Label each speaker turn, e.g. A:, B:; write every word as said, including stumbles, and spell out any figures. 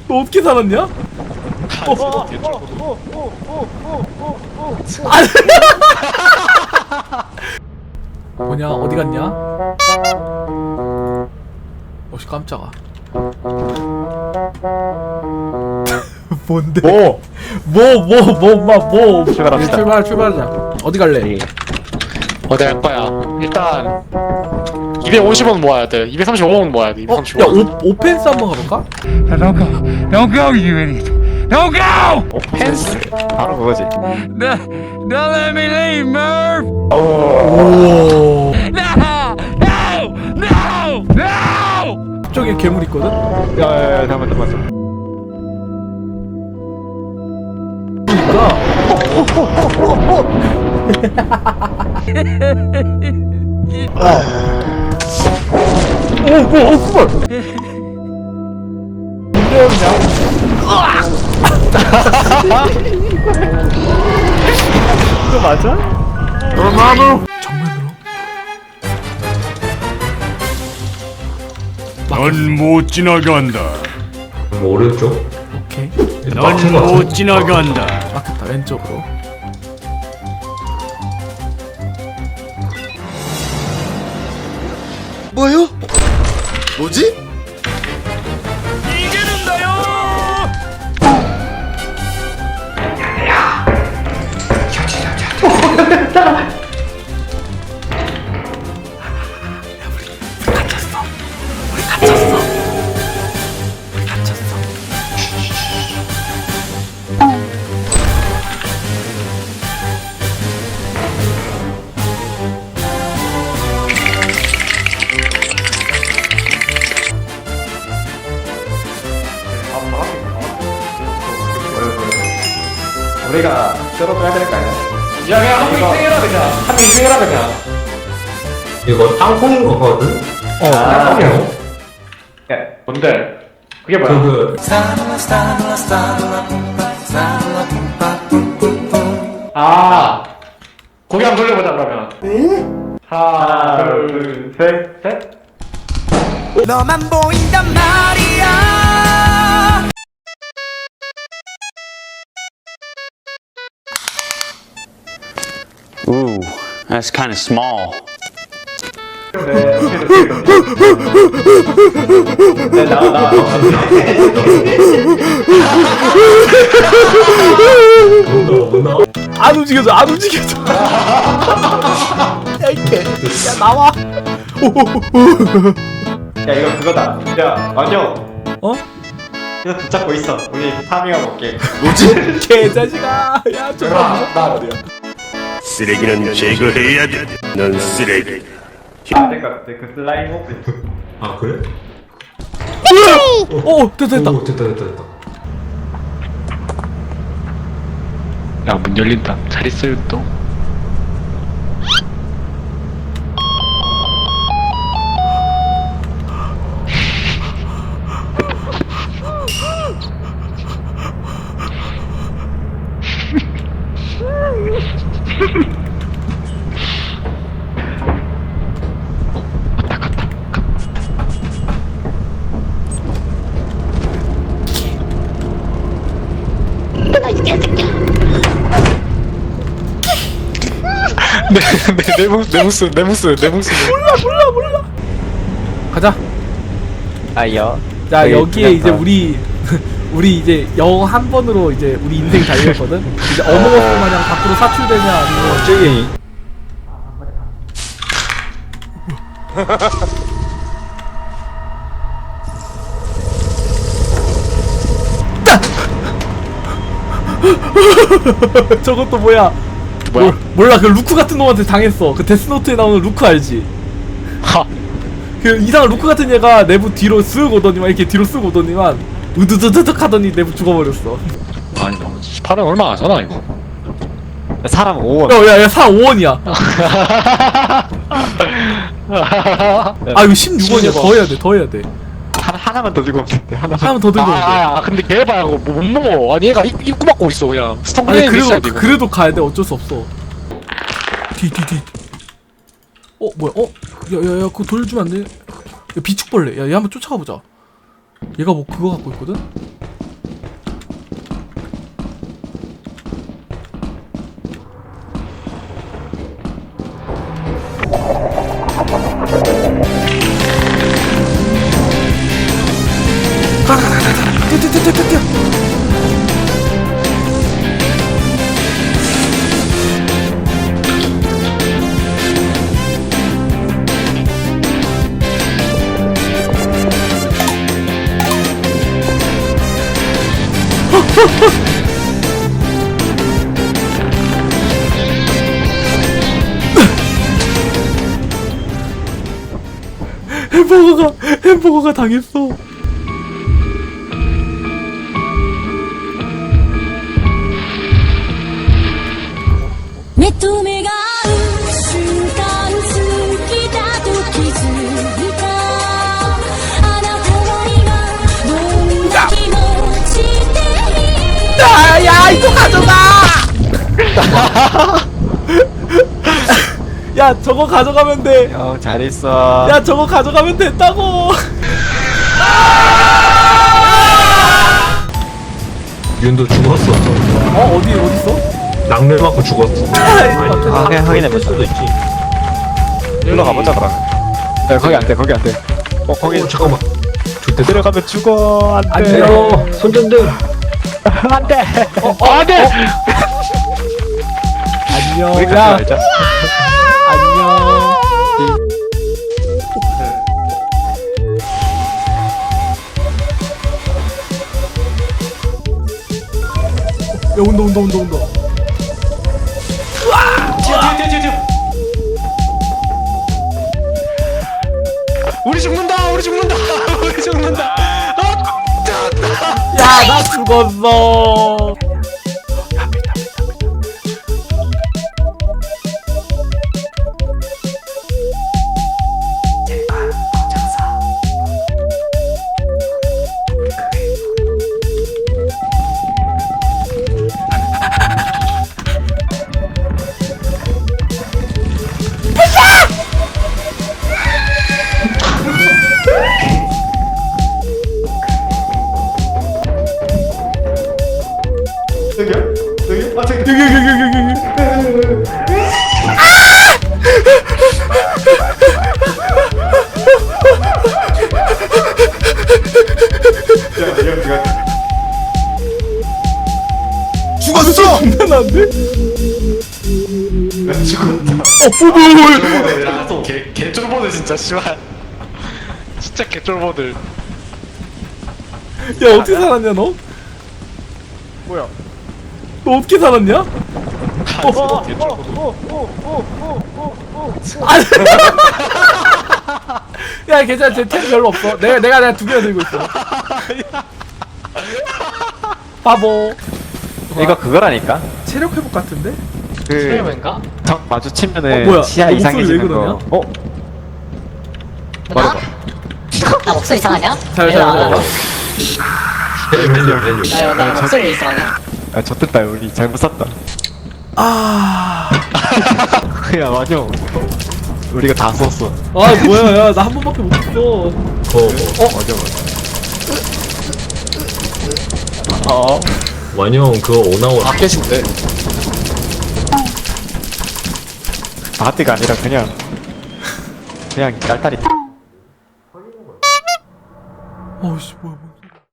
A: 너 어떻게 살았냐? 어, 아니. 뭐냐? 어디 갔냐? 어씨 깜짝아. 뭔데?
B: 뭐?
A: 뭐 뭐 뭐 뭐 뭐?
B: 출발합시다.
A: 출발 출발하자. 어디 갈래?
B: 네. 어디 할 거야? 일단 이백오십 원 모아야 돼. 이백삼십오 원 모아야 돼.
A: 어?
B: 이백삼십오
A: 야
B: 원.
A: 오, 오펜스 한번 가볼까?
C: Don't go! Don't go, you idiot! Don't go!
B: 펜스. 바로 그거지.
C: No, don't let me leave, Merv!
A: 오.
C: No! No! No! No!
A: 저기 괴물 있거든?
B: 야야야 잠깐만 잠깐만.
A: 그러니까 오, 뭐, 어, 그걸! 문제였냐?
B: 이거 맞아?
A: 정면으로?
D: 넌 못 지나간다.
E: 오른쪽?
A: 오케이.
D: 넌 못 지나간다.
A: 막혔다, 왼쪽으로.
E: 뭐요? 뭐지?
B: 우리가 썰어줘야 될 거 아니야? 야 그냥 한 명 생해라 그냥. 한 명 생해라 그냥.
E: 이거 땅콩인 거거든?
A: 어,
E: 땅콩이요?
B: 야 뭔데? 그게 뭐야?
E: 그,
B: 아 고개 한번 돌려보자 그러면. 응? 하나 둘셋 셋.
F: 너만 보인단 말이야.
G: Ooh, that's kind of small.
B: 네, 네, 나와, 나와.
A: 안 움직여져, 안 움직여져. 야, 이게. 야, 나와.
B: 야, 이거 그거다. 야, 완영.
A: 어?
B: 이거 붙잡고 있어. 우리 파밍하고 올게.
E: 뭐지?
A: 개자식아. 야, 저 나, 나 어디야?
D: 쓰레기는 제거해야 돼. 넌 쓰레기.
B: 안 될 것 같아. 그 슬라임 호흡.
E: 아, 그래?
A: 오, 됐다, 됐다.
E: 오, 됐다, 됐다, 됐다.
G: 야, 문 열린다. 잘 있어요, 또.
B: 내 무스, 내 무스, 내 무스, 내 무스.
A: 몰라, 몰라, 몰라. 가자.
B: 아이요.
A: 자, 여기에 이제 우리 우리 이제 영 한 번으로 이제 우리 인생 달렸거든. 이제 어몽어스 마냥 밖으로 사출되냐 아니면
B: 저기.
A: 저것도 뭐야?
B: 뭐야?
A: 몰- 몰라, 그 루크 같은 놈한테 당했어. 그 데스노트에 나오는 루크 알지?
B: 하.
A: 그 이상한 루크 같은 얘가 내부 뒤로 쓱 오더니만 이렇게 뒤로 쓱 오더니만 으드드드득 하더니 내부 죽어버렸어.
G: 아니, 너무 팔은 얼마 안 하잖아, 이거.
B: 사람 오 원.
A: 야야야 사 오 원이야. 아 이거 십육 원이야. 더 해야 돼. 더 해야 돼.
B: 하나 하나만 더 들고 오면 돼. 하나.
A: 하나만 더 들고 오면 돼.
G: 아, 아, 근데 걔봐, 이거 못 먹어. 아니, 얘가 입, 입구 막고 있어, 그냥. 스톤
A: 아니
G: 그레인 있어야
A: 그래도
G: 돼, 이거.
A: 그래도 가야 돼. 어쩔 수 없어. 뒤 뒤 뒤. 어 뭐야? 어? 야야야 그거 돌려주면 안 돼? 야 비축벌레. 야 얘 한번 쫓아가 보자. 얘가 뭐 그거 갖고 있거든? 가라 가라 가라 뛰어 뛰어 뛰어 뛰어 뛰어 햄버거가 햄버거가 당했어.
H: 目と目が合う瞬間好きだと気づいたあなたは今どんな気持ちで
A: 야, 야, 이거 가져가! 야, 저거 가져가면 돼.
I: 형 잘했어.
A: 야, 저거 가져가면 된다고.
E: 윤도 죽었어.
A: 어, 어디, 어딨어?
E: 낙뢰 맞고 죽었어.
I: 아, 그냥 확인해보자.
E: 수도 있지.
I: 일로 가보자 그럼. 야 거기 안돼 거기 안돼. 어 거기
E: 어, 잠깐만. 좋대.
I: 들어가면 죽어.
A: 안
I: 안돼.
A: 돼요.
E: 손전등.
I: 안돼.
A: 어, 어, 안 돼! 안녕.
I: 우리
A: 야,
I: 같이 말자.
A: 안녕. 야, 온다, 온다, 온다, 온다.
B: 우리 죽는다 우리 죽는다 우리 죽는다
A: 야, 나 죽었어. 여기, 여기, 여기, 여기, 여기.
E: 죽었어.
A: 장난한데? 어, 뽀글.
B: 개 개쫄보들 진짜 씨발 진짜 개쫄보들
A: 야, 어떻게 살았냐, 너?
B: 뭐야
A: 너 어떻게 살았냐?
B: 어, 개쫄보들
A: 아니. 야, 괜찮아. 쟤템 별로 없어. 내가, 내가, 내가 두 개나 들고 있어. 바보.
I: 이거 그거라니까.
A: 체력 회복 같은데?
I: 그
G: 체험인가?
I: 적 마주치면은
A: 어, 뭐야?
I: 시야
A: 너 목소리 왜
I: 이상해지는
A: 그러냐?
I: 거. 어?
H: 나?
I: 말해봐.
H: 나 목소리 이상하냐?
A: 잘, 잘, 잘.
E: 헬륨 헬륨.
H: 나, 나 목소리 이상하냐?
I: 아 졌됐다 우리 잘못 샀다.
A: 아.
I: 야 맞아. 우리가 다 썼어.
A: 아, 뭐야, 야. 나 한 번밖에 못 했어.
E: 어.
I: 어? 맞아 맞아. 어?
E: 완영 그거 오나원.
B: 다 깨진대
I: 바티가 아니라 그냥 그냥 딸딸이.
A: 어이씨, 뭐야, 뭐야.